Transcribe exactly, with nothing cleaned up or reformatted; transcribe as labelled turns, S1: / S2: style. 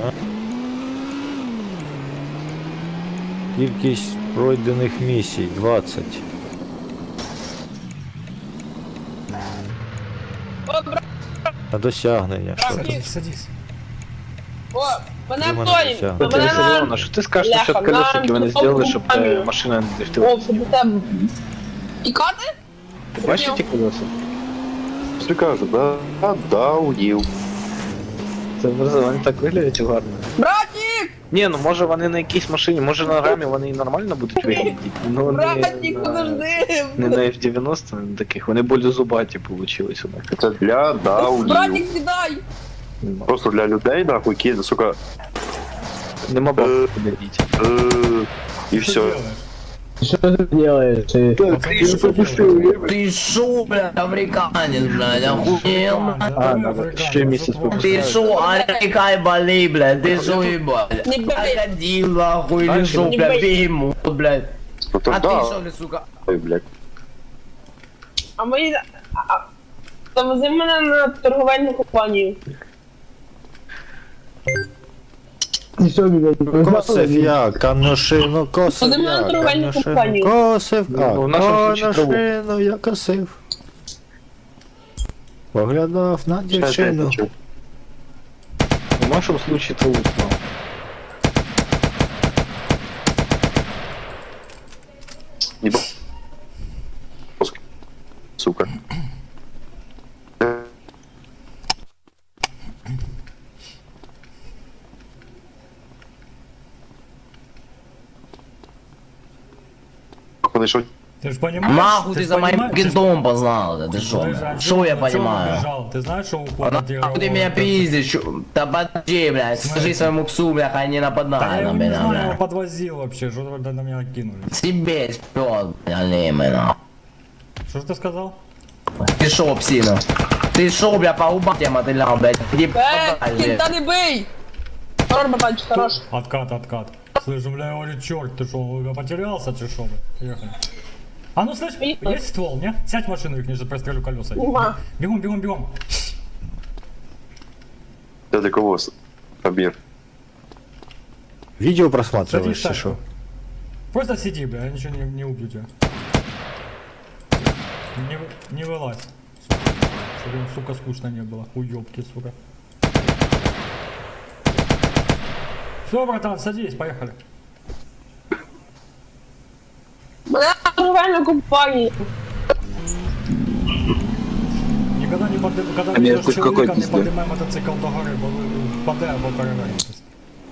S1: Кількість пройдених місій двадцять. А досягнення що там?
S2: Садись, садись.
S3: О, мене
S1: Думаю,
S3: Антоній,
S1: все.
S3: мене
S4: Дивися,
S3: на...
S4: Леона, що ти скажеш
S3: Бляха,
S4: насчет колес, які вони
S3: на-
S4: зробили, щоб е,
S3: Кам'ю.
S4: машина не
S3: О,
S4: дрифтила?
S3: щоб у тебе... Тікати?
S4: Ти бачиш ті колеса?
S5: Що каже, да? А, да, удів.
S4: Це вони так виглядять гарно.
S3: Братік!
S4: Ні, ну може вони на якійсь машині, може на рамі вони і нормально будуть виглядати. Ну не
S3: Братік,
S4: на,
S3: подожди!
S4: не на еф дев'яносто, не на таких, вони более зубаті получились у них.
S5: Це для, да, удів.
S3: Братік, кидай!
S5: Просто для людей, нахуй, ки, сука,
S4: Нема
S5: Е.
S4: бабки подивіть.
S5: э, и
S2: Что
S5: все.
S2: делаешь?
S6: Что ты делаешь? Ты,
S2: Пацаны, что ты делаешь?
S6: ты шо, блядь, африканец, блядь, охуел, блядь?
S2: Да,
S4: А,
S2: ты
S4: надо
S2: африканец,
S4: еще месяц
S2: тут
S4: попустить.
S6: Ты шо, арикай боли, блядь, ты шо, ебать?
S3: Не бей.
S6: Крокодил, нахуй, или
S4: Дальше
S6: шо,
S3: не
S6: блядь,
S3: бей.
S6: бегемот, блядь?
S5: Ну то
S6: А ты
S5: да,
S6: шо, блядь, сука?
S5: ой, блядь.
S3: А мої... а- а- Завези мене на торговельну компанію.
S6: Ты шо, блядь,
S1: Косив я, каношину косив
S3: Вони мене
S1: я,
S3: торговельну
S1: каношину
S3: компанію.
S1: косив, а
S4: Ну, в нашому случаї траву.
S1: каношину я косив. Поглядав на дівчину.
S4: В нашому случае це лучно.
S5: Ебо. Сука. Походу, что
S2: Ты же понимаешь?
S6: Нахуй ты
S2: ж
S6: за моим
S2: понимаешь, ты ж-
S6: кентом познал, да, ты шо,
S2: Ты же
S6: блядь?
S2: один,
S6: Шо я
S2: ну чё ты
S6: понимаю?
S2: бежал? Ты знаешь, что у
S6: А нахуй ты меня пиздишь, чё? Да подожди, блядь, скажи своему псу, блядь, хай не
S2: Да я
S6: нападай
S2: его
S6: на
S2: не
S6: меня,
S2: знаю, его
S6: блядь.
S2: подвозил вообще, что вы на меня кинули.
S6: Себе спёт, блядь, алимый, нахуй.
S2: Что ж ты сказал?
S6: Ты шо, псина? Ты шо, бля, по губам тебе мотылял, блядь? Иди
S3: Е,
S6: подальше.
S3: кінта не бий! Хорош, братанчик, хорош.
S2: Откат, откат. Слышь, бля, я говорю, черт, ты что, потерялся, ты шо, бля? Поехали. А ну, слышь,
S3: Поехали.
S2: есть ствол, не? Сядь в машину, их ниже прострелю колеса.
S3: Нема.
S2: Бегом, бегом, бегом.
S5: я для кого? Обмер.
S1: Відео просматриваєш
S2: Садись
S1: чи що?
S2: Просто сиди, бля, я ничего не, не убью тебя. Не, вы- не вылазь. Чтобы им, сука, скучно не было. Уёбки, сука. Все, братан, садись, поехали.
S3: Мене на торговельну компанію.
S2: Никогда не поднимай, когда
S4: А
S2: видишь
S4: между
S2: человека,
S4: какой
S2: не
S4: пиздой?
S2: поднимай мотоцикл до горы, бо вы впаде або перевернетесь.